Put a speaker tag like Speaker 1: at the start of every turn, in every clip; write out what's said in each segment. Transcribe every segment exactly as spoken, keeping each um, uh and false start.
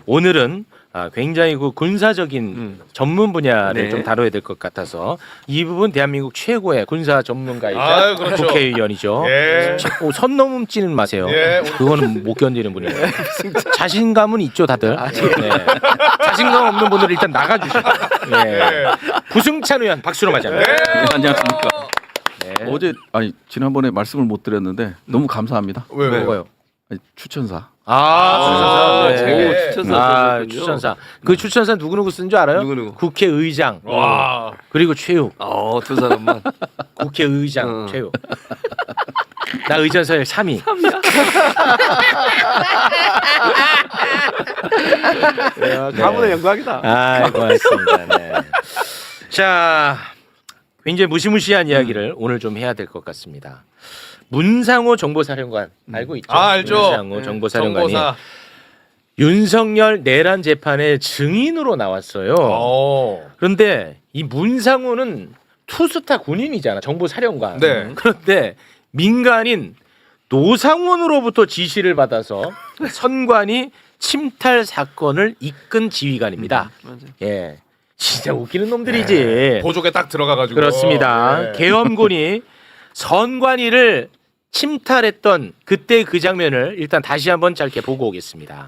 Speaker 1: 오늘은 아, 굉장히 그 군사적인
Speaker 2: 음.
Speaker 1: 전문 분야를
Speaker 2: 네.
Speaker 1: 좀 다뤄야 될 것 같아서 이 부분 대한민국 최고의 군사 전문가이자
Speaker 3: 아유, 그렇죠.
Speaker 1: 국회의원이죠.
Speaker 3: 예.
Speaker 1: 오, 선 넘지는 마세요.
Speaker 3: 예.
Speaker 1: 그거는 못 견디는 분이에요. 자신감은 있죠, 다들. 네. 자신감 없는 분들은 일단 나가주시고. 예. 부승찬 의원 박수로 맞이합니다.
Speaker 2: 네, 안녕하십니까.
Speaker 1: 네.
Speaker 2: 어제 아니 지난번에 말씀을 못 드렸는데 너무 감사합니다.
Speaker 3: 왜, 왜?
Speaker 1: 뭐가요?
Speaker 2: 아니, 추천사.
Speaker 1: 아,
Speaker 3: 아,
Speaker 1: 추천사.
Speaker 3: 네.
Speaker 1: 네.
Speaker 2: 추천사
Speaker 1: 아,
Speaker 2: 썼군요.
Speaker 1: 추천사. 그 추천사 누구 누구 쓴 줄 알아요?
Speaker 2: 누구, 누구?
Speaker 1: 국회의장.
Speaker 3: 와.
Speaker 1: 그리고 최욱.
Speaker 2: 어, 두 사람만.
Speaker 1: 국회의장
Speaker 2: 어.
Speaker 1: 최욱. 나 의전서열 삼 위.
Speaker 2: 가문의 영광이다.
Speaker 1: 아, 고맙습니다. 네. 자, 굉장히 무시무시한 이야기를 오늘 좀 해야 될 것 같습니다. 문상호 정보사령관 알고 있죠?
Speaker 3: 아, 알죠.
Speaker 1: 문상호
Speaker 3: 네.
Speaker 1: 정보사령관이
Speaker 3: 정보사.
Speaker 1: 윤석열 내란 재판의 증인으로 나왔어요.
Speaker 3: 어.
Speaker 1: 그런데 이 문상호는 투스타 군인이잖아, 정보사령관.
Speaker 3: 네.
Speaker 1: 그런데 민간인 노상원으로부터 지시를 받아서 선관위 침탈 사건을 이끈 지휘관입니다. 예, 진짜 웃기는 놈들이지.
Speaker 3: 보조개 딱 들어가가지고.
Speaker 1: 그렇습니다.
Speaker 3: 네.
Speaker 1: 계엄군이 선관위를 침탈했던 그때 그 장면을 일단 다시 한번 짧게 보고 오겠습니다.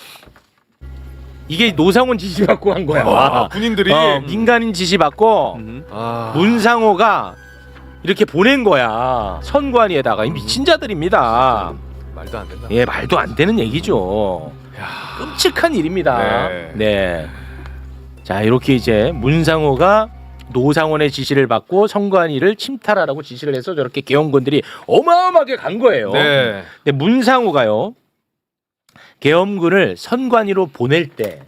Speaker 1: 이게 노상원 지시 받고 한 거야.
Speaker 3: 와, 군인들이.
Speaker 1: 어, 민간인 지시 받고
Speaker 3: 아.
Speaker 1: 문상호가 이렇게 보낸 거야. 선관위에다가 이 미친 자들입니다.
Speaker 3: 말도 안 된다.
Speaker 1: 예, 말도 안 되는 얘기죠. 끔찍한 일입니다.
Speaker 3: 네.
Speaker 1: 네. 자, 이렇게 이제 문상호가 노상원의 지시를 받고 선관위를 침탈하라고 지시를 해서 저렇게 계엄군들이 어마어마하게 간 거예요.
Speaker 3: 네.
Speaker 1: 근데 문상호가요, 계엄군을 선관위로 보낼 때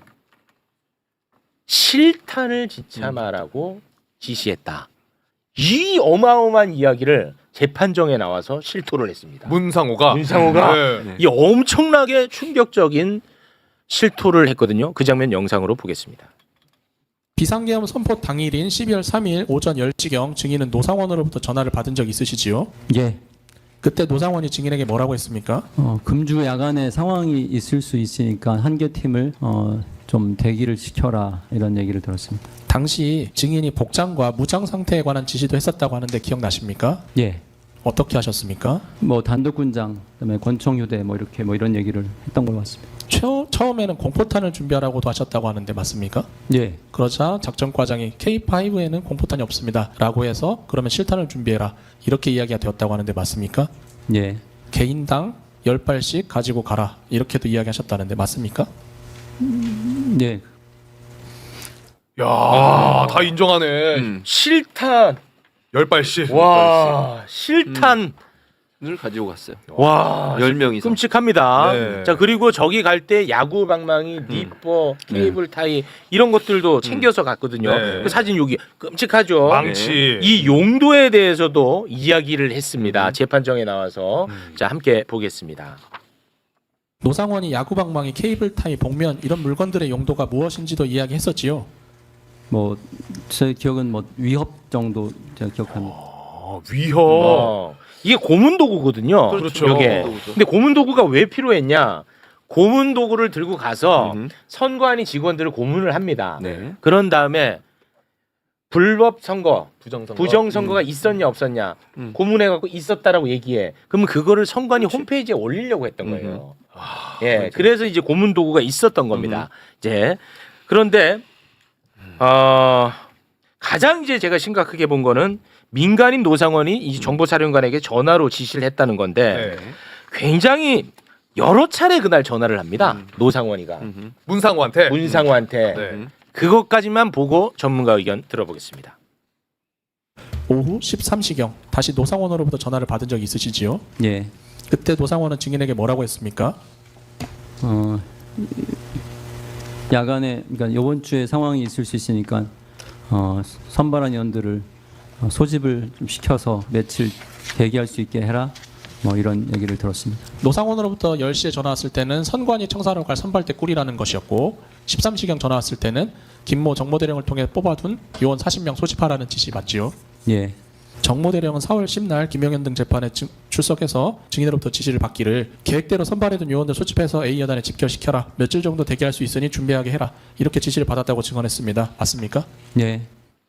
Speaker 1: 실탄을 지참하라고 지시했다. 이 어마어마한 이야기를 재판정에 나와서 실토를 했습니다.
Speaker 3: 문상호가.
Speaker 1: 문상호가
Speaker 3: 네.
Speaker 1: 이 엄청나게 충격적인 실토를 했거든요. 그 장면 영상으로 보겠습니다.
Speaker 4: 비상계엄 선포 당일인 십이월 삼일 오전 열 시경 증인은 노상원으로부터 전화를 받은 적 있으시지요?
Speaker 5: 예.
Speaker 4: 그때 노상원이 증인에게 뭐라고 했습니까?
Speaker 5: 어, 금주 야간에 상황이 있을 수 있으니까 한 개 팀을 어, 좀 대기를 시켜라 이런 얘기를 들었습니다.
Speaker 4: 당시 증인이 복장과 무장 상태에 관한 지시도 했었다고 하는데 기억나십니까?
Speaker 5: 예.
Speaker 4: 어떻게 하셨습니까?
Speaker 5: 뭐 단독군장, 그다음에 권총휴대 뭐 이렇게 뭐 이런 얘기를 했던 걸로 같습니다.
Speaker 4: 처, 처음에는 공포탄을 준비하라고도 하셨다고 하는데 맞습니까?
Speaker 5: 예.
Speaker 4: 그러자 작전과장이 케이 파이브에는 공포탄이 없습니다 라고 해서 그러면 실탄을 준비해라 이렇게 이야기가 되었다고 하는데 맞습니까?
Speaker 5: 예.
Speaker 4: 개인당 열 발씩 가지고 가라 이렇게도 이야기하셨다는데 맞습니까?
Speaker 5: 예.
Speaker 3: 야, 다 인정하네.
Speaker 2: 음.
Speaker 1: 실탄.
Speaker 3: 열 발씩.
Speaker 1: 와, 실탄.
Speaker 2: 을 가지고 갔어요.
Speaker 1: 와,
Speaker 2: 열 명 이상.
Speaker 1: 끔찍합니다.
Speaker 3: 네.
Speaker 1: 자, 그리고 저기 갈 때 야구 방망이, 니퍼, 케이블 타이 이런 것들도 챙겨서 갔거든요.
Speaker 3: 네.
Speaker 1: 그 사진 여기 끔찍하죠.
Speaker 3: 망치.
Speaker 1: 이 용도에 대해서도 이야기를 했습니다. 재판정에 나와서. 자, 함께 보겠습니다.
Speaker 4: 노상원이 야구방망이, 케이블 타이, 복면 이런 물건들의 용도가 무엇인지도 이야기했었지요.
Speaker 5: 뭐 제 기억은 뭐 위협 정도 제가 기억합니다.
Speaker 3: 어, 위협.
Speaker 1: 어, 이게 고문 도구거든요.
Speaker 3: 그렇죠.
Speaker 1: 이게.
Speaker 2: 도구죠.
Speaker 1: 근데 고문 도구가 왜 필요했냐? 고문 도구를 들고 가서
Speaker 2: 음흠.
Speaker 1: 선관위 직원들을 고문을 합니다.
Speaker 2: 네.
Speaker 1: 그런 다음에 불법 선거,
Speaker 3: 부정선거.
Speaker 1: 부정 선거가 있었냐 없었냐
Speaker 2: 음.
Speaker 1: 고문해 갖고 있었다라고 얘기해. 그러면 그거를 선관위 홈페이지에 올리려고 했던
Speaker 2: 음흠.
Speaker 1: 거예요.
Speaker 3: 아,
Speaker 1: 예,
Speaker 3: 그렇지.
Speaker 1: 그래서 이제 고문 도구가 있었던 겁니다. 이제 그런데 어, 가장 이제 제가 심각하게 본 거는 민간인 노상원이 이 정보사령관에게 전화로 지시를 했다는 건데
Speaker 3: 네.
Speaker 1: 굉장히 여러 차례 그날 전화를 합니다. 노상원이가
Speaker 2: 음흠.
Speaker 3: 문상호한테.
Speaker 1: 문상호한테
Speaker 3: 네.
Speaker 1: 그것까지만 보고 전문가 의견 들어보겠습니다.
Speaker 4: 오후 십삼 시경 다시 노상원으로부터 전화를 받은 적이 있으시지요?
Speaker 5: 예.
Speaker 4: 그때 노상원은 증인에게 뭐라고 했습니까?
Speaker 5: 어, 야간에 그러니까 이번 주에 상황이 있을 수 있으니까 어, 선발한 연들을 어, 소집을 좀 시켜서 며칠 대기할 수 있게 해라. 뭐 이런 얘기를 들었습니다.
Speaker 4: 노상원으로부터 열 시에 전화 왔을 때는 선관위 청사로 갈 선발대 꿀이라는 것이었고 십삼 시경 전화 왔을 때는 김모 정보대령을 통해 뽑아둔 요원 사십 명 소집하라는 지시 맞지요?
Speaker 5: 예.
Speaker 4: 정모 대령은 사월 십날 김영현 등 재판에 증- 출석해서 증인으로부터 지시를 받기를 계획대로 선발해둔 요원들 소집해서 A 여단에 집결시켜라. 며칠 정도 대기할 수 있으니 준비하게 해라. 이렇게 지시를 받았다고 증언했습니다. 맞습니까?
Speaker 5: 예.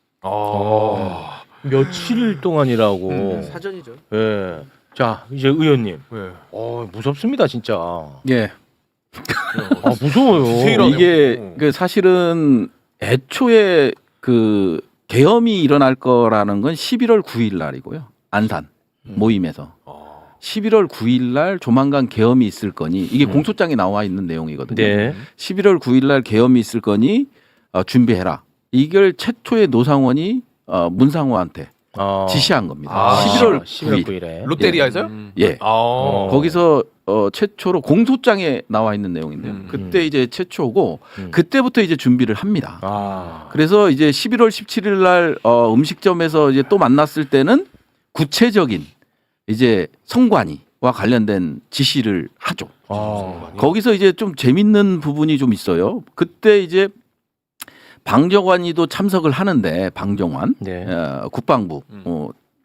Speaker 1: 어. 며칠 동안이라고.
Speaker 3: 사전이죠.
Speaker 1: 예. 자, 이제 의원님.
Speaker 3: 네.
Speaker 1: 어, 무섭습니다, 진짜.
Speaker 2: 예.
Speaker 1: 아, 무서워요.
Speaker 3: 디테일하네요.
Speaker 2: 이게
Speaker 3: 어.
Speaker 2: 그 사실은 애초에 그 계엄이 일어날 거라는 건 십일월 구일 날이고요. 안산 모임에서 십일월 구일 날 조만간 계엄이 있을 거니 이게
Speaker 1: 음.
Speaker 2: 공소장에 나와 있는 내용이거든요.
Speaker 1: 네.
Speaker 2: 십일월 구일 날 계엄이 있을 거니 어, 준비해라. 이걸 최초의 노상원이 어, 문상호한테
Speaker 1: 어.
Speaker 2: 지시한 겁니다.
Speaker 3: 아,
Speaker 2: 십일월
Speaker 1: 십일월
Speaker 2: 구일.
Speaker 1: 구일에.
Speaker 3: 롯데리아에서요?
Speaker 2: 예.
Speaker 3: 아.
Speaker 2: 거기서 어, 최초로 공소장에 나와 있는 내용인데요.
Speaker 3: 음.
Speaker 2: 그때 이제 최초고
Speaker 1: 음.
Speaker 2: 그때부터 이제 준비를 합니다.
Speaker 1: 아.
Speaker 2: 그래서 이제 십일월 십칠일 날 어, 음식점에서 이제 또 만났을 때는 구체적인 이제 성관이와 관련된 지시를 하죠.
Speaker 1: 아.
Speaker 2: 거기서 이제 좀 재밌는 부분이 좀 있어요. 그때 이제 방정환이도 참석을 하는데 방정환
Speaker 1: 네.
Speaker 2: 어, 국방부
Speaker 3: 음.
Speaker 2: 어,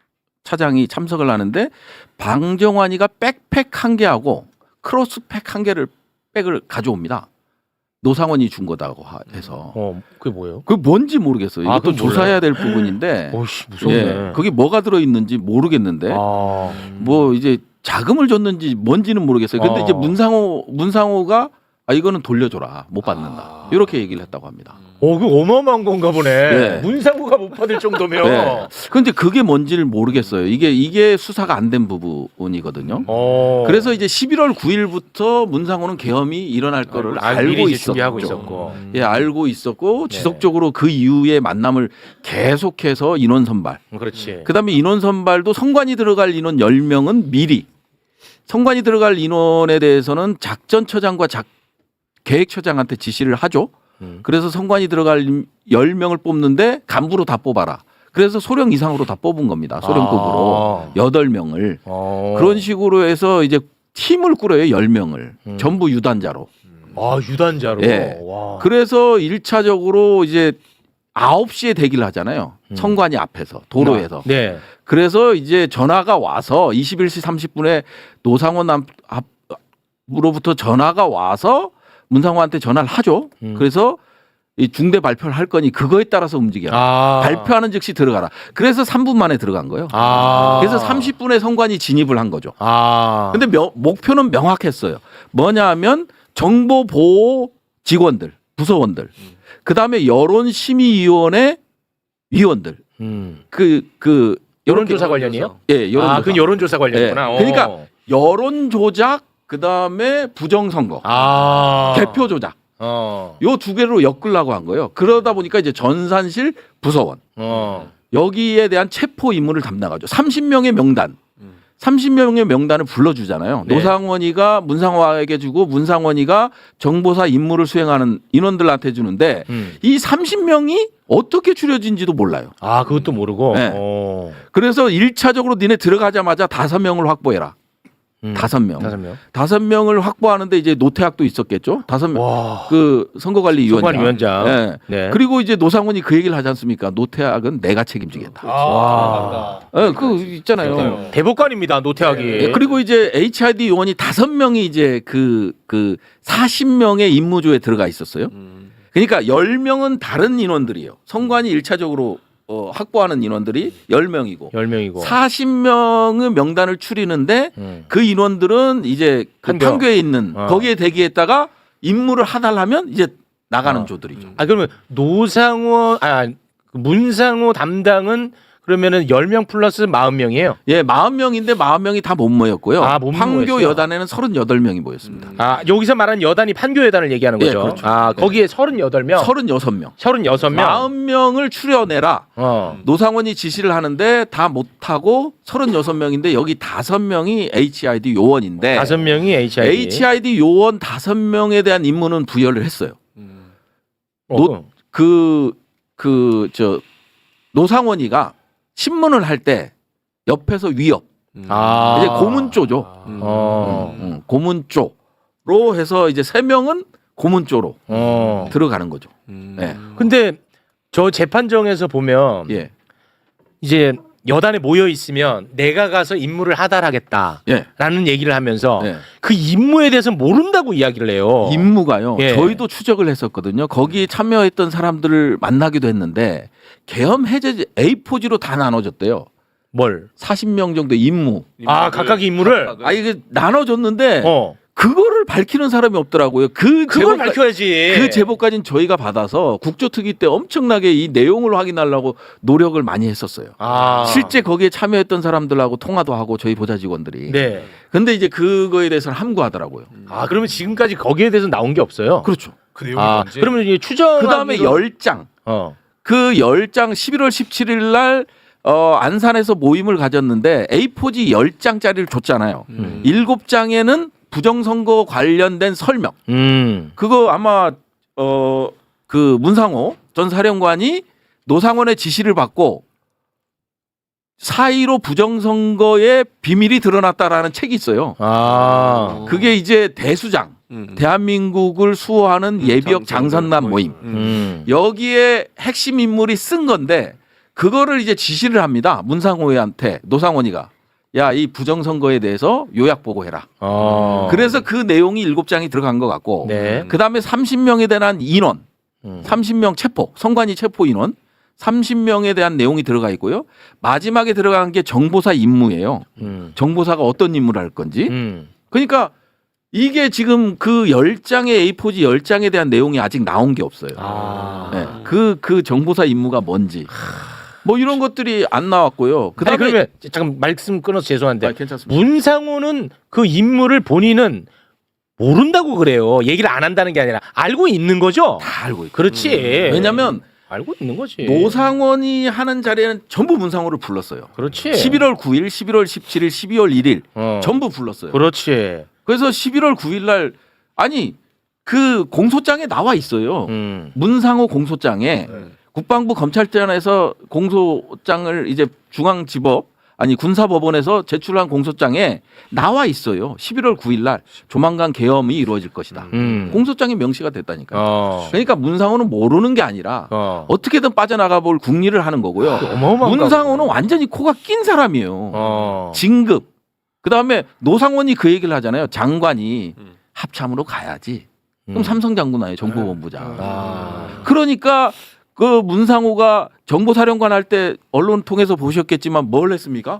Speaker 2: 차장이 참석을 하는데 방정환이가 백팩 한 개하고 크로스팩 한 개를 백을 가져옵니다. 노상원이 준 거다고 하- 해서
Speaker 1: 어, 그게 뭐예요?
Speaker 2: 그게 뭔지 모르겠어요.
Speaker 1: 아,
Speaker 2: 이것도
Speaker 1: 그건 몰라요.
Speaker 2: 조사해야 될 부분인데
Speaker 1: 오씨, 무섭네.
Speaker 2: 예, 거기 뭐가 들어 있는지 모르겠는데
Speaker 1: 아.
Speaker 2: 뭐 이제 자금을 줬는지 뭔지는 모르겠어요. 근데
Speaker 1: 어.
Speaker 2: 이제 문상호 문상호가 아 이거는 돌려줘라 못 받는다
Speaker 3: 아.
Speaker 2: 이렇게 얘기를 했다고 합니다.
Speaker 1: 어, 그 어마어마한 건가 보네.
Speaker 2: 네.
Speaker 1: 문상구가 못 받을 정도면.
Speaker 2: 네. 근데 그게 뭔지를 모르겠어요. 이게 이게 수사가 안 된 부분이거든요.
Speaker 1: 어.
Speaker 2: 그래서 이제 십일월 구일부터 문상호는 계엄이 일어날 거를
Speaker 1: 아,
Speaker 2: 알고
Speaker 1: 미리 이제
Speaker 2: 있었죠.
Speaker 1: 준비하고 있었고.
Speaker 2: 예, 알고 있었고
Speaker 1: 네.
Speaker 2: 지속적으로 그 이후에 만남을 계속해서 인원 선발.
Speaker 1: 음, 그렇지.
Speaker 2: 그다음에 인원 선발도 성관이 들어갈 인원 열 명은 미리 성관이 들어갈 인원에 대해서는 작전처장과 작 계획처장한테 지시를 하죠.
Speaker 1: 음.
Speaker 2: 그래서 성관이 들어갈 열 명을 뽑는데 간부로 다 뽑아라. 그래서 소령 이상으로 다 뽑은 겁니다. 소령급으로
Speaker 1: 아.
Speaker 2: 여덟 명을
Speaker 1: 어.
Speaker 2: 그런 식으로 해서 이제 팀을 꾸려요. 열 명을
Speaker 1: 음.
Speaker 2: 전부 유단자로.
Speaker 1: 아, 유단자로.
Speaker 2: 예.
Speaker 1: 와.
Speaker 2: 그래서 일 차적으로 이제 아홉 시에 대기를 하잖아요.
Speaker 1: 음.
Speaker 2: 성관이 앞에서 도로에서.
Speaker 1: 네.
Speaker 2: 그래서 이제 전화가 와서 이십일 시 삼십 분에 노상원 앞, 앞으로부터 전화가 와서 문상호한테 전화를 하죠.
Speaker 1: 음.
Speaker 2: 그래서 이 중대 발표를 할 거니 그거에 따라서 움직여라.
Speaker 1: 아.
Speaker 2: 발표하는 즉시 들어가라. 그래서 삼 분 만에 들어간 거예요.
Speaker 1: 아.
Speaker 2: 그래서 삼십 분에 성관이 진입을 한 거죠.
Speaker 1: 아.
Speaker 2: 근데 명- 목표는 명확했어요. 뭐냐 하면 정보 보호 직원들, 부서원들. 그다음에 여론 심의위원회 위원들.
Speaker 1: 음.
Speaker 2: 그 그
Speaker 1: 여론조사 관련이요?
Speaker 2: 예, 여론조사.
Speaker 1: 아, 그 여론조사 관련이구나.
Speaker 2: 예. 그러니까
Speaker 1: 어.
Speaker 2: 여론 조작 그다음에 부정 선거.
Speaker 1: 아.
Speaker 2: 개표 조작.
Speaker 1: 어.
Speaker 2: 요 두 개로 엮으려고 한 거예요. 그러다 보니까 이제 전산실 부서원
Speaker 1: 어.
Speaker 2: 여기에 대한 체포 임무를 담당하죠. 삼십 명의 명단. 삼십 명의 명단을 불러주잖아요.
Speaker 1: 네.
Speaker 2: 노상원이가 문상호에게 주고 문상원이가 정보사 임무를 수행하는 인원들한테 주는데
Speaker 1: 음.
Speaker 2: 이 삼십 명이 어떻게 추려진지도 몰라요.
Speaker 1: 아, 그것도 모르고.
Speaker 2: 네.
Speaker 1: 어.
Speaker 2: 그래서 일 차적으로 니네 들어가자마자 다섯 명을 확보해라.
Speaker 1: 음.
Speaker 2: 다섯 명.
Speaker 1: 다섯 명.
Speaker 2: 다섯 명을 확보하는데 이제 노태학도 있었겠죠. 다섯 명.
Speaker 1: 와.
Speaker 2: 그 선거관리위원장.
Speaker 1: 선관위원장.
Speaker 2: 예.
Speaker 1: 네.
Speaker 2: 그리고 이제 노상원이 그 얘기를 하지 않습니까? 노태학은 내가 책임지겠다.
Speaker 1: 와.
Speaker 2: 예, 그 있잖아요.
Speaker 1: 대법관입니다, 노태학이.
Speaker 2: 예, 그리고 이제 에이치아이디 요원이 다섯 명이 이제 그, 그 사십 명의 임무조에 들어가 있었어요. 그러니까 열 명은 다른 인원들이에요. 선관위 일 차적으로 어, 확보하는 인원들이 열 명이고
Speaker 1: 열 명이고.
Speaker 2: 사십 명의 명단을 추리는데
Speaker 1: 음.
Speaker 2: 그 인원들은 이제 그
Speaker 1: 판교.
Speaker 2: 판교에 있는
Speaker 1: 어.
Speaker 2: 거기에 대기했다가 임무를 하달하면 이제 나가는
Speaker 1: 어.
Speaker 2: 조들이죠.
Speaker 1: 아, 그러면 노상호 아, 그 문상호 담당은 그러면은 열 명 플러스 사십 명이에요.
Speaker 2: 예, 사십 명인데 사십 명이 다 못 모였고요.
Speaker 1: 아, 못
Speaker 2: 판교
Speaker 1: 모였어요?
Speaker 2: 여단에는 서른여덟 명이 모였습니다.
Speaker 1: 아, 여기서 말하는 여단이 판교 여단을 얘기하는
Speaker 2: 예,
Speaker 1: 거죠.
Speaker 2: 그렇죠.
Speaker 1: 아,
Speaker 2: 네.
Speaker 1: 거기에 서른여덟 명.
Speaker 2: 서른여섯 명.
Speaker 1: 서른여섯 명.
Speaker 2: 사십 명을 추려내라.
Speaker 1: 어.
Speaker 2: 노상원이 지시를 하는데 다 못하고 서른여섯 명인데 여기 다섯 명이 에이치아이디 요원인데
Speaker 1: 다섯 명이 에이치아이디.
Speaker 2: 에이치아이디 요원 다섯 명에 대한 임무는 부여를 했어요.
Speaker 1: 어,
Speaker 2: 노- 그, 그, 저, 노상원이가 신문을 할 때 옆에서 위협.
Speaker 1: 아.
Speaker 2: 이제 고문조죠.
Speaker 1: 어.
Speaker 2: 음, 고문조로 해서 이제 세 명은 고문조로
Speaker 1: 어.
Speaker 2: 들어가는 거죠.
Speaker 3: 음.
Speaker 2: 예.
Speaker 1: 근데 저 재판정에서 보면
Speaker 2: 예.
Speaker 1: 이제 여단에 모여 있으면 내가 가서 임무를 하달하겠다라는
Speaker 2: 예.
Speaker 1: 얘기를 하면서
Speaker 2: 예.
Speaker 1: 그 임무에 대해서 모른다고 이야기를 해요.
Speaker 2: 임무가요.
Speaker 1: 예.
Speaker 2: 저희도 추적을 했었거든요. 거기에 참여했던 사람들을 만나기도 했는데 계엄 해제 에이포지로 다 나눠졌대요.
Speaker 1: 뭘?
Speaker 2: 사십 명 정도 임무.
Speaker 1: 아 각각의 임무를.
Speaker 2: 아 이게 나눠졌는데
Speaker 1: 어.
Speaker 2: 그거를 밝히는 사람이 없더라고요. 그
Speaker 1: 그걸
Speaker 2: 제보까-
Speaker 1: 밝혀야지.
Speaker 2: 그 제보까지는 저희가 받아서 국조특위 때 엄청나게 이 내용을 확인하려고 노력을 많이 했었어요.
Speaker 1: 아.
Speaker 2: 실제 거기에 참여했던 사람들하고 통화도 하고 저희 보좌 직원들이.
Speaker 1: 네.
Speaker 2: 근데 이제 그거에 대해서는 함구하더라고요.
Speaker 1: 아 그러면 지금까지 거기에 대해서 나온 게 없어요.
Speaker 2: 그렇죠.
Speaker 3: 그 내용이
Speaker 1: 아
Speaker 3: 뭔지.
Speaker 1: 그러면 이제 추정.
Speaker 2: 그 다음에 열 장.
Speaker 1: 어.
Speaker 2: 그 열 장 십일월 십칠일 날 어, 안산에서 모임을 가졌는데 에이포지 열 장짜리를 줬잖아요.
Speaker 1: 음.
Speaker 2: 일곱 장에는 부정선거 관련된 설명.
Speaker 1: 음.
Speaker 2: 그거 아마 어, 그 문상호 전 사령관이 노상원의 지시를 받고 사이로 부정선거의 비밀이 드러났다라는 책이 있어요.
Speaker 1: 아.
Speaker 2: 그게 이제 대수장,
Speaker 3: 음.
Speaker 2: 대한민국을 수호하는 예비역 장선남 모임.
Speaker 1: 음.
Speaker 2: 여기에 핵심 인물이 쓴 건데 그거를 이제 지시를 합니다. 문상호한테 노상원이가 야, 이 부정선거에 대해서 요약 보고해라.
Speaker 1: 어.
Speaker 2: 그래서 그 내용이 일곱 장이 들어간 것 같고
Speaker 1: 네.
Speaker 2: 그 다음에 삼십 명에 대한 인원,
Speaker 1: 음.
Speaker 2: 삼십 명 체포, 선관위 체포 인원, 삼십 명에 대한 내용이 들어가 있고요. 마지막에 들어간 게 정보사 임무예요.
Speaker 1: 음.
Speaker 2: 정보사가 어떤 임무를 할 건지.
Speaker 1: 음.
Speaker 2: 그러니까 이게 지금 그 열 장의 에이포지 열 장에 대한 내용이 아직 나온 게 없어요.
Speaker 1: 아.
Speaker 2: 네. 그, 그 정보사 임무가 뭔지. 뭐 이런 것들이 안 나왔고요.
Speaker 1: 그 다음에
Speaker 2: 그다음에
Speaker 1: 그러면 잠깐 말씀 끊어서 죄송한데
Speaker 2: 아, 괜찮습니다.
Speaker 1: 문상호는 그 인물을 본인은 모른다고 그래요. 얘기를 안 한다는 게 아니라 알고 있는 거죠.
Speaker 2: 다 알고 있고.
Speaker 1: 그렇지.
Speaker 2: 왜냐면
Speaker 1: 알고 있는 거지.
Speaker 2: 노상원이 하는 자리에는 전부 문상호를 불렀어요.
Speaker 1: 그렇지.
Speaker 2: 십일월 구일, 십일월 십칠일, 십이월 일일
Speaker 1: 어.
Speaker 2: 전부 불렀어요.
Speaker 1: 그렇지.
Speaker 2: 그래서 십일월 구일 날 아니 그 공소장에 나와 있어요.
Speaker 1: 음.
Speaker 2: 문상호 공소장에 국방부 검찰청에서 공소장을 이제 중앙지법 아니 군사법원에서 제출한 공소장에 나와 있어요. 십일월 구일 날 조만간 계엄이 이루어질 것이다.
Speaker 1: 음.
Speaker 2: 공소장에 명시가 됐다니까요.
Speaker 1: 어.
Speaker 2: 그러니까 문상호는 모르는 게 아니라
Speaker 1: 어.
Speaker 2: 어떻게든 빠져나가 볼 국리를 하는 거고요.
Speaker 1: 어마어마한
Speaker 2: 문상호는
Speaker 1: 거구나.
Speaker 2: 완전히 코가 낀 사람이에요.
Speaker 1: 어.
Speaker 2: 진급. 그다음에 노상원이 그 얘기를 하잖아요. 장관이 합참으로 가야지. 그럼
Speaker 1: 음.
Speaker 2: 삼성 장군 아니에요. 정보본부장.
Speaker 1: 아.
Speaker 2: 그러니까 그 문상호가 정보사령관 할 때 언론 통해서 보셨겠지만 뭘 했습니까?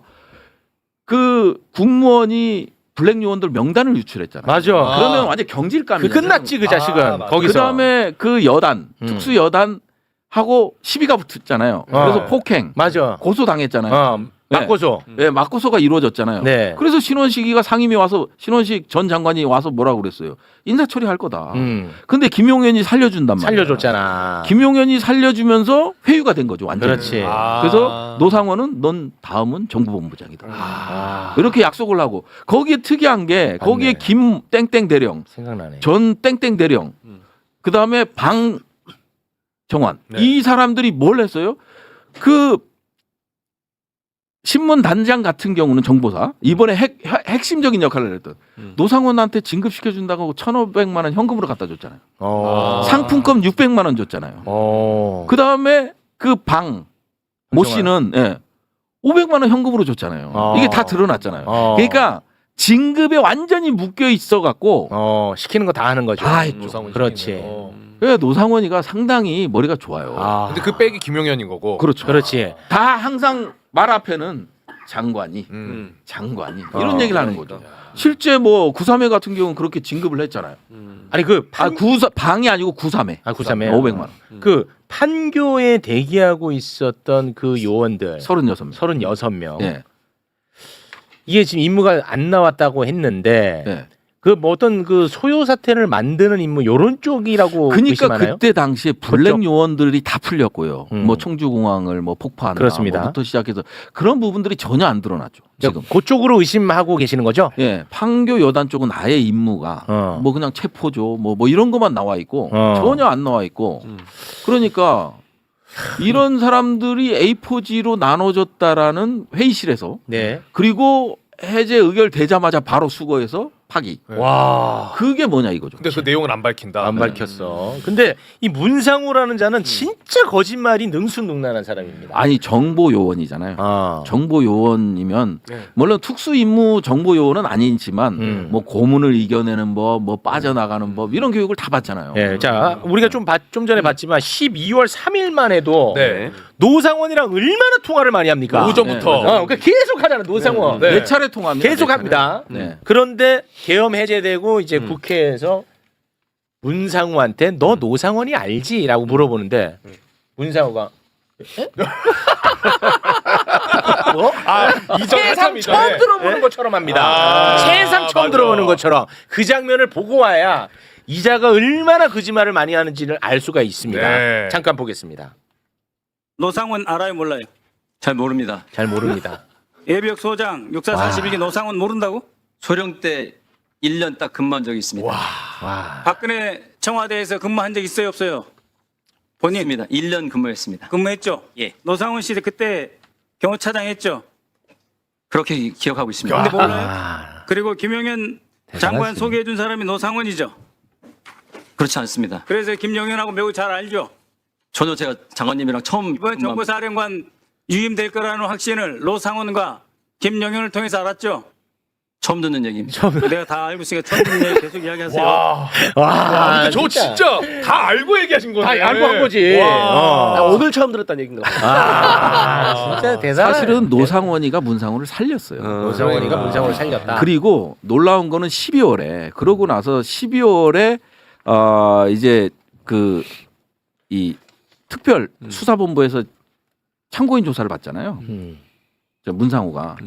Speaker 2: 그 국무원이 블랙 요원들 명단을 유출했잖아요.
Speaker 1: 맞아.
Speaker 2: 그러면 완전 경질감이에요.
Speaker 1: 그 끝났지 그 자식은
Speaker 3: 아, 맞아.
Speaker 1: 거기서.
Speaker 2: 그다음에 그 여단
Speaker 1: 음.
Speaker 2: 특수 여단 하고 시비가 붙었잖아요.
Speaker 1: 어.
Speaker 2: 그래서 폭행
Speaker 1: 맞아.
Speaker 2: 고소 당했잖아요.
Speaker 1: 어.
Speaker 2: 네.
Speaker 1: 맞고서.
Speaker 2: 예, 맞고소가 이루어졌잖아요.
Speaker 1: 네.
Speaker 2: 그래서 신원식이가 상임위 와서 신원식 전 장관이 와서 뭐라고 그랬어요? 인사 처리할 거다.
Speaker 1: 음.
Speaker 2: 근데 김용현이 살려준단 말이에요.
Speaker 1: 살려줬잖아.
Speaker 2: 김용현이 살려주면서 회유가 된 거죠. 완전.
Speaker 1: 그렇지.
Speaker 3: 아.
Speaker 2: 그래서 노상원은 넌 다음은 정부본부장이다.
Speaker 1: 아.
Speaker 2: 이렇게 약속을 하고 거기에 특이한 게 거기에
Speaker 1: 맞네.
Speaker 2: 김 땡땡 대령,
Speaker 1: 생각나네.
Speaker 2: 전 땡땡 대령,
Speaker 3: 음.
Speaker 2: 그 다음에 방 정환
Speaker 3: 네.
Speaker 2: 이 사람들이 뭘 했어요? 그 신문 단장 같은 경우는 정보사 이번에 핵, 핵- 핵심적인 역할을 했던
Speaker 3: 음.
Speaker 2: 노상원한테 진급시켜 준다고 천오백만 원 현금으로 갖다 줬잖아요.
Speaker 1: 어.
Speaker 3: 아.
Speaker 2: 상품권 육백만 원 줬잖아요.
Speaker 1: 어.
Speaker 2: 그 다음에 그 방 모 씨는 예, 오백만 원 현금으로 줬잖아요.
Speaker 1: 어.
Speaker 2: 이게 다 드러났잖아요.
Speaker 1: 어.
Speaker 2: 그러니까 진급에 완전히 묶여 있어 갖고
Speaker 1: 어 시키는 거 다 하는 거죠.
Speaker 2: 다 했죠.
Speaker 3: 노상훈
Speaker 1: 그렇지.
Speaker 3: 시키는 거.
Speaker 2: 그래서 노상원이가 상당히 머리가 좋아요.
Speaker 1: 아.
Speaker 3: 근데 그 백이 김용현인 거고.
Speaker 2: 그렇죠.
Speaker 1: 그렇지.
Speaker 2: 다 항상 말 앞에는 장관이
Speaker 3: 음.
Speaker 2: 장관이
Speaker 1: 어.
Speaker 2: 이런 얘기를 하는 거죠. 실제 뭐 구삼회 같은 경우는 그렇게 진급을 했잖아요.
Speaker 3: 음.
Speaker 1: 아니 그
Speaker 2: 아
Speaker 1: 판,
Speaker 2: 구사 방이 아니고 구삼회.
Speaker 1: 아 구삼회
Speaker 2: 오백만 원.
Speaker 1: 그 판교에 대기하고 있었던 그 요원들
Speaker 2: 서른여섯 명.
Speaker 1: 서른여섯 명.
Speaker 2: 예.
Speaker 1: 이게 지금 임무가 안 나왔다고 했는데
Speaker 2: 예.
Speaker 1: 그 뭐 어떤 그 소요 사태를 만드는 임무 요런 쪽이라고
Speaker 2: 그러니까
Speaker 1: 의심하나요?
Speaker 2: 그때 당시에 블랙
Speaker 1: 그쪽?
Speaker 2: 요원들이 다 풀렸고요.
Speaker 1: 음.
Speaker 2: 뭐 청주공항을 뭐 폭파하는
Speaker 1: 그렇습니다.
Speaker 2: 뭐부터 시작해서 그런 부분들이 전혀 안 드러났죠. 지금.
Speaker 1: 그쪽으로 의심하고 계시는 거죠?
Speaker 2: 예, 판교 여단 쪽은 아예 임무가
Speaker 1: 어.
Speaker 2: 뭐 그냥 체포죠, 뭐 뭐 이런 것만 나와 있고
Speaker 1: 어.
Speaker 2: 전혀 안 나와 있고
Speaker 3: 음.
Speaker 2: 그러니까 이런 사람들이 에이포지로 나눠졌다라는 회의실에서
Speaker 1: 네.
Speaker 2: 그리고 해제 의결되자마자 바로 수거해서 파기.
Speaker 1: 와.
Speaker 2: 그게 뭐냐 이거죠.
Speaker 3: 근데 그 내용은 안 밝힌다.
Speaker 1: 안 밝혔어. 근데 이 문상우라는 자는 진짜 거짓말이 능수능란한 사람입니다.
Speaker 2: 아니 정보 요원이잖아요.
Speaker 1: 아.
Speaker 2: 정보 요원이면
Speaker 3: 네.
Speaker 2: 물론 특수 임무 정보 요원은 아니지만
Speaker 1: 음.
Speaker 2: 뭐 고문을 이겨내는 법, 뭐 빠져나가는 법 이런 교육을 다 받잖아요.
Speaker 1: 예, 자 우리가 좀, 봤- 좀 전에 봤지만 십이월 삼일만 해도
Speaker 3: 네.
Speaker 1: 노상원이랑 얼마나 통화를 많이 합니까?
Speaker 3: 오전부터.
Speaker 1: 어, 그러니까 계속 하잖아 노상원.
Speaker 3: 네.
Speaker 2: 네 차례 통화합니다.
Speaker 1: 계속
Speaker 2: 네 차례.
Speaker 1: 합니다.
Speaker 2: 네.
Speaker 1: 그런데 계엄 해제되고 이제 국회에서 문상우한테 너 노상원이 알지?라고 물어보는데 문상우가 에? 뭐?
Speaker 3: 아, 이전
Speaker 1: 세상
Speaker 3: 한참
Speaker 1: 처음
Speaker 3: 이전에.
Speaker 1: 들어보는 것처럼 합니다.
Speaker 3: 아,
Speaker 1: 세상 처음
Speaker 3: 맞아.
Speaker 1: 들어보는 것처럼 그 장면을 보고 와야 이자가 얼마나 거짓말을 많이 하는지를 알 수가 있습니다.
Speaker 3: 네.
Speaker 1: 잠깐 보겠습니다.
Speaker 6: 노상원 알아요 몰라요?
Speaker 5: 잘 모릅니다.
Speaker 1: 잘 모릅니다.
Speaker 6: 예비역 소장 육사 사십일 기 노상원 모른다고?
Speaker 5: 소령 때 일 년 딱 근무한 적이 있습니다.
Speaker 1: 와.
Speaker 6: 박근혜 청와대에서 근무한 적 있어요 없어요? 본인
Speaker 5: 있습니다. 일 년 근무했습니다.
Speaker 6: 근무했죠?
Speaker 5: 예.
Speaker 6: 노상원 씨 그때 경호차장 했죠?
Speaker 5: 그렇게 기- 기억하고 있습니다.
Speaker 6: 근데 몰라요?
Speaker 1: 아.
Speaker 6: 그리고 김용현 장관 소개해 준 사람이 노상원이죠?
Speaker 5: 그렇지 않습니다.
Speaker 6: 그래서 김용현하고 매우 잘 알죠?
Speaker 5: 전혀 제가 장관님이랑 처음
Speaker 6: 이번
Speaker 5: 근무한-
Speaker 6: 정보사령관 유임될 거라는 확신을 노상원과 김용현을 통해서 알았죠?
Speaker 5: 처음 듣는 얘기입니다.
Speaker 6: 내가 다 알고 있으니까 처음 듣는 얘기 계속 이야기하세요.
Speaker 3: 와.
Speaker 1: 와.
Speaker 3: 근데 저 진짜 다 알고 얘기하신 건데.
Speaker 1: 다 알고 한 거지.
Speaker 3: 와.
Speaker 1: 어.
Speaker 7: 오늘 처음 들었다는 얘기인가 봐.
Speaker 1: 아, 진짜 대단한.
Speaker 2: 사실은 노상원이가 문상우를 살렸어요.
Speaker 1: 노상원이가 문상우를 살렸다.
Speaker 2: 그리고 놀라운 거는 십이월에 그러고 나서 십이월에 어 이제 그 이 특별 수사본부에서 참고인 조사를 받잖아요.
Speaker 1: 음.
Speaker 2: 저 문상우가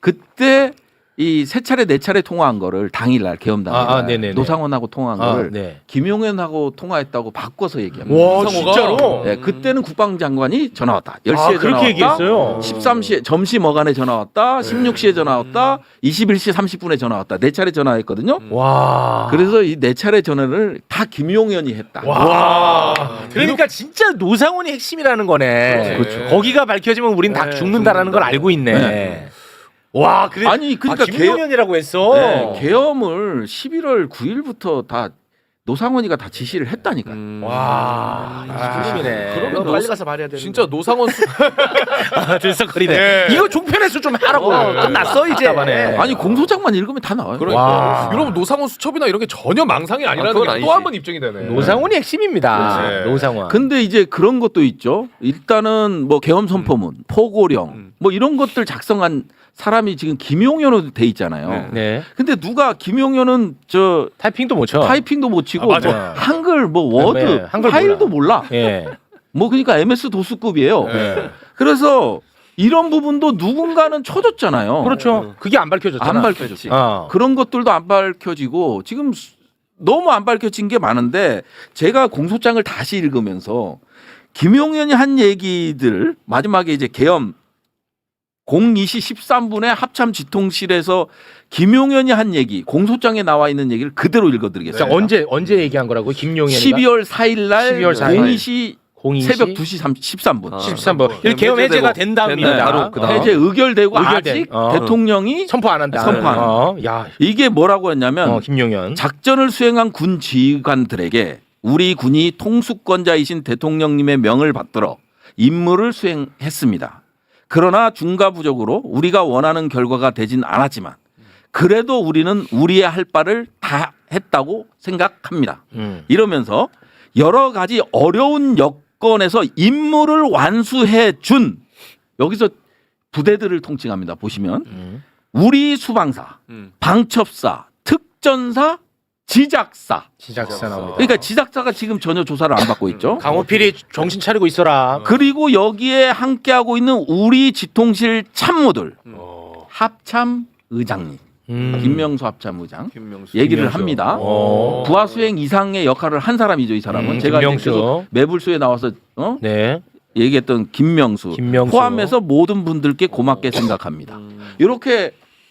Speaker 2: 그때 이 세 차례 네 차례 통화한 거를 당일날 계엄 당일
Speaker 1: 아, 아, 네네네.
Speaker 2: 노상원하고 통화한
Speaker 1: 아,
Speaker 2: 거를
Speaker 1: 네.
Speaker 2: 김용현하고 통화했다고 바꿔서 얘기합니다.
Speaker 1: 와,
Speaker 3: 문상우가?
Speaker 1: 진짜로?
Speaker 2: 네, 그때는 국방장관이 전화 왔다. 열 시에
Speaker 1: 아,
Speaker 2: 전화
Speaker 1: 그렇게
Speaker 2: 왔다.
Speaker 1: 얘기했어요.
Speaker 2: 십삼 시에 점심 어간에 전화 왔다. 십육 시에 전화 왔다. 이십일 시 삼십 분에 전화 왔다. 네 차례 전화했거든요.
Speaker 1: 와.
Speaker 2: 그래서 이 네 차례 전화를 다 김용현이 했다.
Speaker 3: 와.
Speaker 1: 그러니까 진짜 노상원이 핵심이라는 거네.
Speaker 3: 그렇죠.
Speaker 1: 거기가 밝혀지면 우린 다
Speaker 3: 네,
Speaker 1: 죽는다라는 걸 알고 있네.
Speaker 2: 네.
Speaker 1: 와, 그래.
Speaker 2: 아니, 그러니까
Speaker 1: 아, 김용현이라고 했어.
Speaker 2: 네, 계엄을 십일월 구일부터 다 노상원이가 다 지시를 했다니까.
Speaker 3: 음.
Speaker 1: 와, 이 죽음이네.
Speaker 7: 그러면
Speaker 3: 노-
Speaker 7: 빨리 가서 말해야 되는.
Speaker 3: 진짜 노상원 수...
Speaker 1: 아, 들썩거리네.
Speaker 3: 네.
Speaker 1: 이거 종편에서 좀 하라고. 끝났어 이제. 답답하네.
Speaker 2: 아니 공소장만 읽으면 다 나와요.
Speaker 3: 그러니까
Speaker 1: 와.
Speaker 3: 여러분 노상원 수첩이나 이런 게 전혀 망상이 아니라는
Speaker 7: 그건
Speaker 3: 게
Speaker 7: 아니지.
Speaker 3: 또 한 번 입증이 되네.
Speaker 1: 노상원이 핵심입니다.
Speaker 3: 그렇지.
Speaker 1: 노상원.
Speaker 2: 근데 이제 그런 것도 있죠. 일단은 뭐 계엄 선포문, 포고령
Speaker 3: 음.
Speaker 2: 뭐 이런 것들 작성한 사람이 지금 김용현으로 돼 있잖아요.
Speaker 1: 네.
Speaker 2: 근데 누가 김용현은 저
Speaker 1: 타이핑도 못 쳐.
Speaker 2: 타이핑도 못 치고
Speaker 3: 아, 맞아요.
Speaker 2: 뭐 한글 뭐 워드
Speaker 1: 네, 한글
Speaker 2: 파일도 몰라.
Speaker 1: 예.
Speaker 2: 뭐 그러니까 엠에스 도스급이에요.
Speaker 3: 네.
Speaker 2: 그래서 이런 부분도 누군가는 쳐줬잖아요.
Speaker 1: 그렇죠. 그게 안 밝혀졌잖아.
Speaker 2: 안 밝혀졌지.
Speaker 1: 어.
Speaker 2: 그런 것들도 안 밝혀지고 지금 수- 너무 안 밝혀진 게 많은데 제가 공소장을 다시 읽으면서 김용현이 한 얘기들 마지막에 이제 계엄 공이 시 십삼 분에 합참 지통실에서 김용현이 한 얘기 공소장에 나와 있는 얘기를 그대로
Speaker 1: 자,
Speaker 2: 읽어드리겠습니다.
Speaker 1: 언제 언제 얘기한 거라고? 김용현이가
Speaker 2: 십이월 사일 날
Speaker 1: 십이월 사일 날.
Speaker 2: 공이 시
Speaker 1: 공이
Speaker 2: 새벽 두 시 십삼 분.
Speaker 1: 십삼 번. 이렇게 계엄 해제가 된 다음입니다.
Speaker 2: 네, 바로
Speaker 1: 어.
Speaker 2: 해제 의결되고
Speaker 1: 의결된.
Speaker 2: 아직
Speaker 1: 어.
Speaker 2: 대통령이
Speaker 1: 선포 안 한다.
Speaker 2: 선포 안 한다.
Speaker 1: 어. 야,
Speaker 2: 이게 뭐라고 했냐면
Speaker 1: 어, 김용현.
Speaker 2: 작전을 수행한 군 지휘관들에게 우리 군이 통수권자이신 대통령님의 명을 받들어 임무를 수행했습니다. 그러나 중과부적으로 우리가 원하는 결과가 되진 않았지만 그래도 우리는 우리의 할 바를 다 했다고 생각합니다.
Speaker 1: 음.
Speaker 2: 이러면서 여러 가지 어려운 여건에서 임무를 완수해 준 여기서 부대들을 통칭합니다. 보시면
Speaker 1: 음.
Speaker 2: 우리 수방사,
Speaker 3: 음.
Speaker 2: 방첩사, 특전사, 지작사.
Speaker 1: 지작사 나옵니다.
Speaker 2: 그러니까 지작사가 지금 전혀 조사를 안 받고 있죠.
Speaker 1: 강호필이 정신 차리고 있어라.
Speaker 2: 그리고 여기에 함께하고 있는 우리 지통실 참모들
Speaker 3: 어.
Speaker 2: 합참 의장님
Speaker 1: 음.
Speaker 2: 김명수 합참 의장
Speaker 3: 김명수.
Speaker 2: 얘기를
Speaker 1: 김명수.
Speaker 2: 합니다.
Speaker 1: 어.
Speaker 2: 부하 수행 이상의 역할을 한 사람이죠, 이 사람은.
Speaker 1: 음,
Speaker 2: 제가
Speaker 1: 김명수.
Speaker 2: 계속 매불수에 나와서 어?
Speaker 1: 네.
Speaker 2: 얘기했던 김명수,
Speaker 1: 김명수.
Speaker 2: 포함해서 모든 분들께 고맙게 생각합니다. 이렇게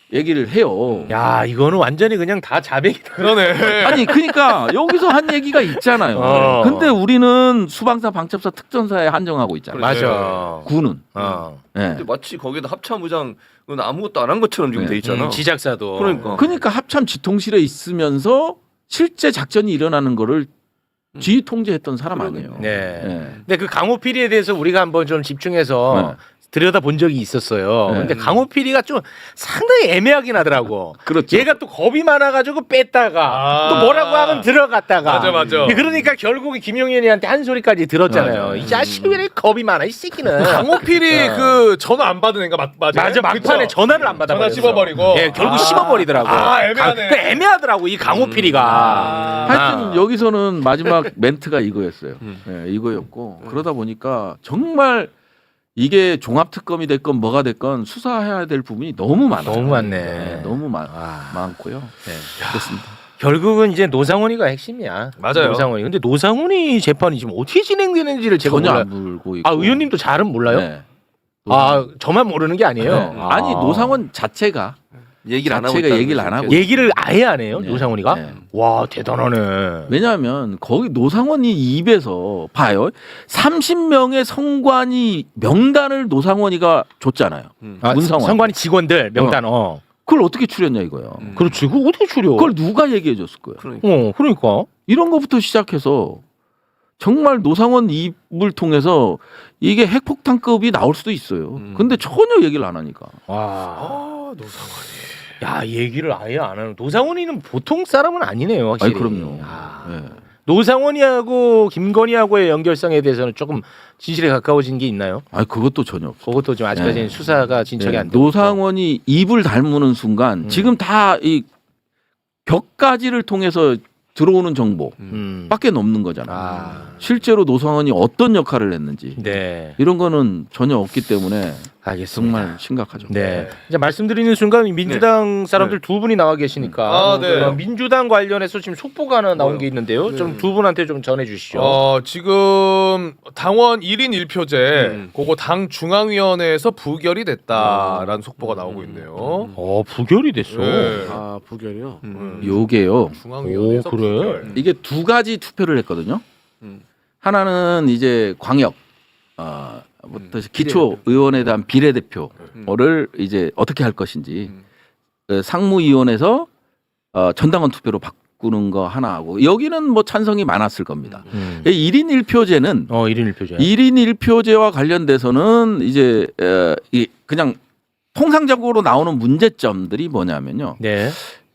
Speaker 2: 얘기를 해요.
Speaker 1: 야 이거는 완전히 그냥 다 자백이다.
Speaker 3: 그러네.
Speaker 2: 아니 그러니까 여기서 한 얘기가 있잖아요.
Speaker 1: 어.
Speaker 2: 근데 우리는 수방사, 방첩사, 특전사에 한정하고 있잖아요.
Speaker 1: 맞아.
Speaker 2: 군은.
Speaker 1: 어.
Speaker 2: 예.
Speaker 7: 근데 마치 거기다 합참의장은 아무것도 안 한 것처럼 지금
Speaker 2: 네.
Speaker 7: 돼 있잖아.
Speaker 1: 음, 지작사도.
Speaker 7: 그러니까.
Speaker 2: 그러니까 합참 지통실에 있으면서 실제 작전이 일어나는 거를 지휘 통제했던 사람 아니에요.
Speaker 1: 네.
Speaker 2: 예.
Speaker 1: 근데 그 강호필이에 대해서 우리가 한번 좀 집중해서 들여다 본 적이 있었어요.
Speaker 2: 네.
Speaker 1: 근데 강호필이가 좀 상당히 애매하긴 하더라고.
Speaker 2: 그렇죠.
Speaker 1: 얘가 또 겁이 많아가지고 뺐다가
Speaker 3: 아.
Speaker 1: 또 뭐라고 하면 들어갔다가.
Speaker 3: 맞아, 맞아.
Speaker 1: 그러니까 결국에 김용현이한테 한 소리까지 들었잖아요.
Speaker 2: 맞아.
Speaker 1: 이 자식이 왜 이렇게 겁이 많아 이 새끼는.
Speaker 3: 강호필이
Speaker 1: 어.
Speaker 3: 그 전화 안 받은 애가 맞, 맞아요?
Speaker 1: 맞아 막판에
Speaker 3: 그쵸?
Speaker 1: 전화를 안 받아.
Speaker 3: 전화 씹어버리고.
Speaker 1: 예, 결국
Speaker 3: 아.
Speaker 1: 씹어버리더라고.
Speaker 3: 아, 애매하네.
Speaker 1: 그 애매하더라고 이 강호필이가.
Speaker 3: 아.
Speaker 2: 하여튼
Speaker 1: 아.
Speaker 2: 여기서는 마지막 멘트가 이거였어요. 예, 이거였고 그러다 보니까 정말 이게 종합특검이 됐건 뭐가 됐건 수사해야 될 부분이 너무 많아요.
Speaker 1: 너무 많네.
Speaker 2: 네, 너무 많,
Speaker 1: 아.
Speaker 2: 많고요. 네, 그렇습니다.
Speaker 1: 결국은 이제 노상원이가 핵심이야.
Speaker 3: 맞아요.
Speaker 1: 노상원이. 근데 노상원이 재판이 지금 어떻게 진행되는지를 제가
Speaker 2: 전혀
Speaker 1: 몰라요.
Speaker 2: 안 물고 있고.
Speaker 1: 아 의원님도 잘은 몰라요?
Speaker 2: 네.
Speaker 1: 아 저만 모르는 게 아니에요.
Speaker 2: 네.
Speaker 1: 아.
Speaker 2: 아니 노상원 자체가
Speaker 7: 얘기를 안 하고
Speaker 2: 자체가
Speaker 7: 있다는
Speaker 2: 얘기를 안
Speaker 7: 거죠.
Speaker 2: 하고
Speaker 1: 얘기를 아예 안 해요.
Speaker 2: 네.
Speaker 1: 노상원이가?
Speaker 2: 네.
Speaker 1: 와 대단하네.
Speaker 2: 왜냐하면 거기 노상원이 입에서 봐요. 삼십 명의 성관이 명단을 노상원이가 줬잖아요.
Speaker 1: 아,
Speaker 2: 문상원.
Speaker 1: 선관위 직원들 명단. 어.
Speaker 2: 그걸 어떻게 추렸냐 이거예요.
Speaker 1: 그렇지. 그거 어떻게 추려?
Speaker 2: 그걸 누가 얘기해 줬을 거예요.
Speaker 7: 그러니까.
Speaker 1: 어 그러니까.
Speaker 2: 이런 것부터 시작해서 정말 노상원 입을 통해서 이게 핵폭탄급이 나올 수도 있어요.
Speaker 7: 음.
Speaker 2: 근데 전혀 얘기를 안 하니까.
Speaker 1: 와.
Speaker 3: 아, 노상원이.
Speaker 1: 야 얘기를 아예 안 하는. 노상원이는 보통 사람은 아니네요. 확실히.
Speaker 2: 아니 그럼요.
Speaker 1: 아.
Speaker 2: 네.
Speaker 1: 노상원이하고 김건희하고의 연결성에 대해서는 조금 진실에 가까워진 게 있나요?
Speaker 2: 아니 그것도 전혀 없어.
Speaker 1: 그것도 좀 아직까지는
Speaker 2: 네.
Speaker 1: 수사가 진척이
Speaker 2: 네.
Speaker 1: 안 되고.
Speaker 2: 노상원이 입을 닮는 순간
Speaker 1: 음.
Speaker 2: 지금 다 이 격가지를 통해서 들어오는 정보
Speaker 1: 음.
Speaker 2: 밖에 없는 거잖아.
Speaker 1: 아.
Speaker 2: 실제로 노상원이 어떤 역할을 했는지
Speaker 1: 네.
Speaker 2: 이런 거는 전혀 없기 때문에
Speaker 1: 알겠습니다.
Speaker 2: 정말 심각하죠.
Speaker 1: 네. 이제 말씀드리는 순간 민주당 사람들 두 분이 나와 계시니까
Speaker 3: 아, 네.
Speaker 1: 어, 민주당 관련해서 지금 속보가 하나 나온 게 있는데요. 좀 두 분한테 좀 전해 주시죠.
Speaker 3: 어, 지금 당원 일 인 일 표제
Speaker 7: 음.
Speaker 3: 그거 당 중앙위원회에서 부결이 됐다라는 속보가 나오고 있네요.
Speaker 1: 어, 부결이 됐어.
Speaker 3: 네.
Speaker 7: 아 부결이요.
Speaker 3: 음.
Speaker 2: 요게요.
Speaker 3: 중앙위원회에서
Speaker 1: 오, 그래?
Speaker 3: 부결.
Speaker 2: 이게 두 가지 투표를 했거든요.
Speaker 7: 음.
Speaker 2: 하나는 이제 광역 어, 부터 기초 의원에 대한 비례대표를 이제 어떻게 할 것인지
Speaker 7: 음.
Speaker 2: 그 상무위원회에서 어, 전당원 투표로 바꾸는 거 하나 하고 여기는 뭐 찬성이 많았을 겁니다.
Speaker 1: 음.
Speaker 2: 일 인 일 표제는
Speaker 1: 어, 일 인 일 표제.
Speaker 2: 일 인 일 표제와 관련돼서는 이제 어, 이 그냥 통상적으로 나오는 문제점들이 뭐냐면요.
Speaker 1: 네.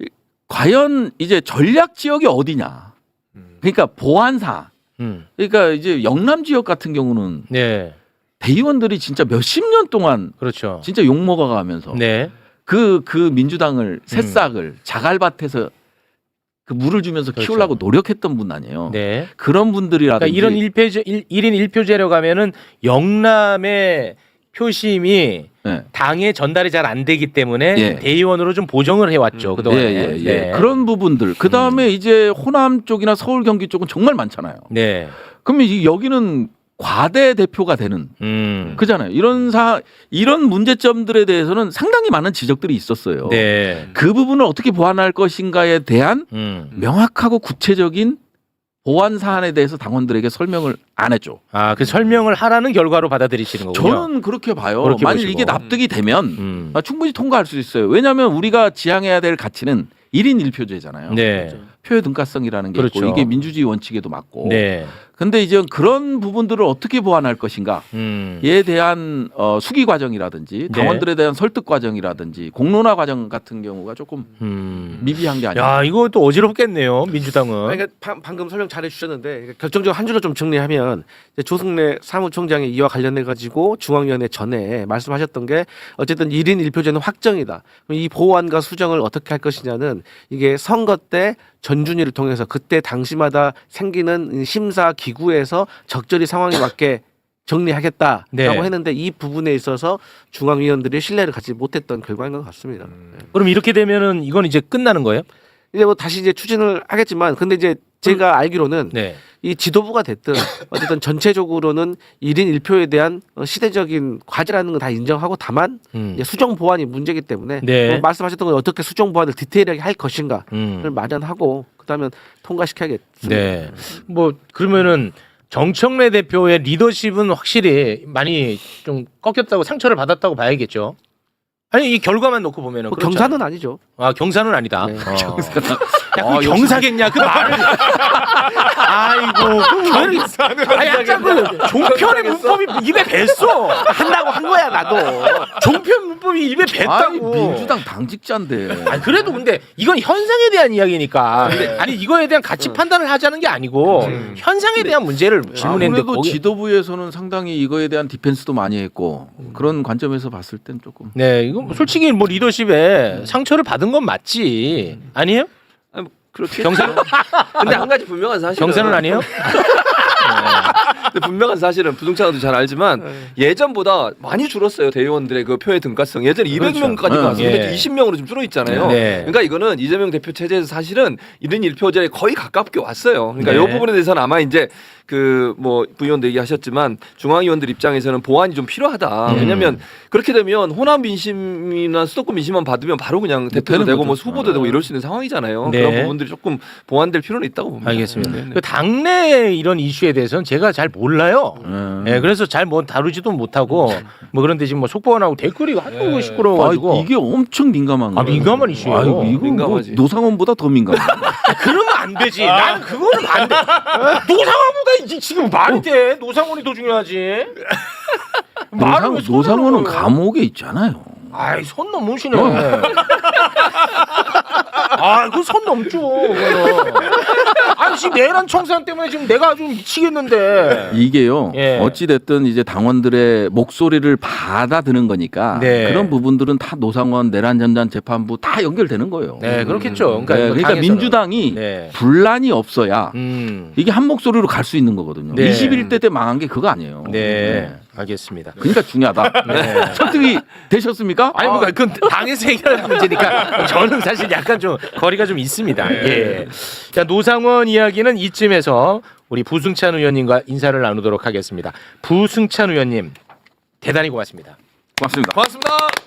Speaker 2: 과연 이제 전략 지역이 어디냐. 그러니까 보안사.
Speaker 1: 음.
Speaker 2: 그러니까 이제 영남 지역 같은 경우는
Speaker 1: 네.
Speaker 2: 대의원들이 진짜 몇십 년 동안
Speaker 1: 그렇죠.
Speaker 2: 진짜 욕 먹어가면서
Speaker 1: 네.
Speaker 2: 그, 그 민주당을 새싹을 자갈밭에서 그 물을 주면서
Speaker 1: 그렇죠.
Speaker 2: 키우려고 노력했던 분 아니에요.
Speaker 1: 네.
Speaker 2: 그런 분들이라든지
Speaker 1: 그러니까 이런 일 표제 일 인 일 표제라고 하면은 영남의 표심이
Speaker 2: 예.
Speaker 1: 당에 전달이 잘 안 되기 때문에
Speaker 2: 예.
Speaker 1: 대의원으로 좀 보정을 해왔죠
Speaker 2: 예,
Speaker 1: 그동안에.
Speaker 2: 예, 예.
Speaker 1: 네.
Speaker 2: 그런 부분들. 그 다음에 이제 호남 쪽이나 서울 경기 쪽은 정말 많잖아요.
Speaker 1: 네.
Speaker 2: 그러면 이- 여기는 과대 대표가 되는
Speaker 1: 음.
Speaker 2: 그잖아요. 이런 사 이런 문제점들에 대해서는 상당히 많은 지적들이 있었어요.
Speaker 1: 네.
Speaker 2: 그 부분을 어떻게 보완할 것인가에 대한
Speaker 1: 음.
Speaker 2: 명확하고 구체적인 보완 사안에 대해서 당원들에게 설명을 안 했죠.
Speaker 1: 아, 그 설명을 하라는 결과로 받아들이시는 거군요.
Speaker 2: 저는 그렇게 봐요.
Speaker 1: 그렇게
Speaker 2: 만일
Speaker 1: 보시고.
Speaker 2: 이게 납득이 되면
Speaker 1: 음.
Speaker 2: 아, 충분히 통과할 수 있어요. 왜냐하면 우리가 지향해야 될 가치는 일 인 일 표제잖아요.
Speaker 1: 네.
Speaker 2: 표의 등가성이라는 게
Speaker 1: 그렇죠.
Speaker 2: 있고 이게 민주주의 원칙에도 맞고.
Speaker 1: 네.
Speaker 2: 근데 이제 그런 부분들을 어떻게 보완할 것인가에
Speaker 1: 음.
Speaker 2: 대한 어, 수기 과정이라든지 당원들에 대한 설득 과정이라든지 공론화 과정 같은 경우가 조금
Speaker 1: 음.
Speaker 2: 미비한 게 아니에요.
Speaker 1: 야, 이거 또 어지럽겠네요. 민주당은.
Speaker 7: 그러니까 바- 방금 설명 잘 해주셨는데 그러니까 결정적으로 한 줄로 좀 정리하면 이제 조승래 사무총장이 이와 관련해 가지고 중앙위원회 전에 말씀하셨던 게 어쨌든 일 인 일 표제는 확정이다. 그럼 이 보완과 수정을 어떻게 할 것이냐는 이게 선거 때 전준위를 통해서 그때 당시마다 생기는 심사 기구에서 적절히 상황에 맞게 정리하겠다라고
Speaker 1: 네.
Speaker 7: 했는데 이 부분에 있어서 중앙위원들이 신뢰를 갖지 못했던 결과인 것 같습니다. 네.
Speaker 1: 그럼 이렇게 되면은 이건 이제 끝나는 거예요?
Speaker 7: 이제 뭐 다시 이제 추진을 하겠지만 근데 이제 제가 알기로는
Speaker 1: 네.
Speaker 7: 이 지도부가 됐든 어쨌든 전체적으로는 일 인 일 표에 대한 어, 시대적인 과제라는 건 다 인정하고 다만
Speaker 1: 음.
Speaker 7: 이제 수정 보완이 문제이기 때문에
Speaker 1: 네.
Speaker 7: 어, 말씀하셨던 건 어떻게 수정 보완을 디테일하게 할 것인가를
Speaker 1: 음.
Speaker 7: 마련하고 그다음에 통과시켜야겠습니다.
Speaker 1: 네. 뭐 그러면은 정청래 대표의 리더십은 확실히 많이 좀 꺾였다고 상처를 받았다고 봐야겠죠. 아니 이 결과만 놓고 보면은
Speaker 7: 뭐
Speaker 1: 그렇잖아요.
Speaker 7: 경사는 아니죠.
Speaker 1: 아 경사는 아니다.
Speaker 7: 네.
Speaker 1: 어. 야, 그 경사겠냐 그 말을. 아이고. 경사는 아니 약간 그 종편의 문법이 입에 뱄어.
Speaker 7: 한다고 한 거야 나도.
Speaker 1: 종편 문법이 입에
Speaker 2: 아니,
Speaker 1: 뱄다고.
Speaker 2: 민주당 당직자인데.
Speaker 1: 아니 그래도 근데 이건 현상에 대한 이야기니까. 근데 아니 이거에 대한 가치 판단을 하자는 게 아니고 현상에 대한 문제를 질문했는데
Speaker 2: 아무래도
Speaker 1: 거기.
Speaker 2: 지도부에서는 상당히 이거에 대한 디펜스도 많이 했고 그런 관점에서 봤을 땐 조금.
Speaker 1: 네, 이거 뭐 솔직히 뭐 리더십에 상처를 받은 건 맞지. 아니에요?
Speaker 8: 아니, 뭐 그렇게
Speaker 1: 경사는
Speaker 8: 근데 한 가지 분명한 사실은
Speaker 1: 경사는 아니에요?
Speaker 8: 근데 분명한 사실은 부동산도 잘 알지만 예전보다 많이 줄었어요 대의원들의 그 표의 등가성. 예전에 이백 명까지
Speaker 2: 네.
Speaker 8: 갔었는데
Speaker 1: 예.
Speaker 8: 이십 명으로 좀 줄어 있잖아요.
Speaker 1: 네.
Speaker 8: 그러니까 이거는 이재명 대표 체제에서 사실은 일 인 일 표제에 거의 가깝게 왔어요. 그러니까
Speaker 1: 네.
Speaker 8: 이 부분에 대해서는 아마 이제 그 뭐 부의원도 얘기하셨지만 중앙위원들 입장에서는 보완이 좀 필요하다.
Speaker 1: 음.
Speaker 8: 왜냐하면 그렇게 되면 호남 민심이나 수도권 민심만 받으면 바로 그냥 대표도
Speaker 2: 되는
Speaker 8: 되고
Speaker 2: 거죠.
Speaker 8: 뭐 후보도 되고 이럴 수 있는 상황이잖아요.
Speaker 1: 네.
Speaker 8: 그런 부분들이 조금 보완될 필요는 있다고 봅니다.
Speaker 1: 알겠습니다.
Speaker 8: 네, 네.
Speaker 1: 그 당내 이런 이슈에 대해서는 제가 잘 몰라요.
Speaker 2: 음.
Speaker 1: 네, 그래서 잘 뭐 다루지도 못하고 뭐 그런데 지금 뭐 속보원하고 댓글이 하도 시끄러워가지고
Speaker 2: 아, 이게 엄청 민감한
Speaker 1: 아,
Speaker 2: 거예요.
Speaker 1: 민감한 이슈예요.
Speaker 2: 아유, 이거 뭐
Speaker 8: 민감하지.
Speaker 2: 노상원보다 더 민감해.
Speaker 1: 그러면 안 되지. 나는 그거는 반대. 노상원보다 이- 지금 말이 돼. 노상원이 더 중요하지. 말을 왜
Speaker 2: 노상,
Speaker 1: 손을
Speaker 2: 노상원은
Speaker 1: 넘어요?
Speaker 2: 감옥에 있잖아요.
Speaker 1: 아이 손 넘으시네. 아, 그 손 넘죠. 그거는. 아니 지금 내란 청산 때문에 지금 내가 아주 미치겠는데.
Speaker 2: 이게요.
Speaker 1: 예.
Speaker 2: 어찌 됐든 이제 당원들의 목소리를 받아드는 거니까
Speaker 1: 네.
Speaker 2: 그런 부분들은 다 노상원 내란 전단 재판부 다 연결되는 거예요.
Speaker 1: 네, 그렇겠죠. 그러니까,
Speaker 2: 네,
Speaker 1: 이거
Speaker 2: 그러니까
Speaker 1: 당에서는.
Speaker 2: 민주당이
Speaker 1: 네.
Speaker 2: 분란이 없어야
Speaker 1: 음.
Speaker 2: 이게 한 목소리로 갈 수 있는 거거든요.
Speaker 1: 네.
Speaker 2: 이십일 대 때 망한 게 그거 아니에요.
Speaker 1: 네. 알겠습니다.
Speaker 2: 그러니까 중요하다.
Speaker 1: 네.
Speaker 2: 설득이 되셨습니까?
Speaker 1: 아니 뭐 그건 당에서 해결하는 문제니까 저는 사실 약간 좀 거리가 좀 있습니다. 예. 자, 노상원 이야기는 이쯤에서 우리 부승찬 의원님과 인사를 나누도록 하겠습니다. 부승찬 의원님 대단히 고맙습니다.
Speaker 2: 고맙습니다.
Speaker 3: 고맙습니다.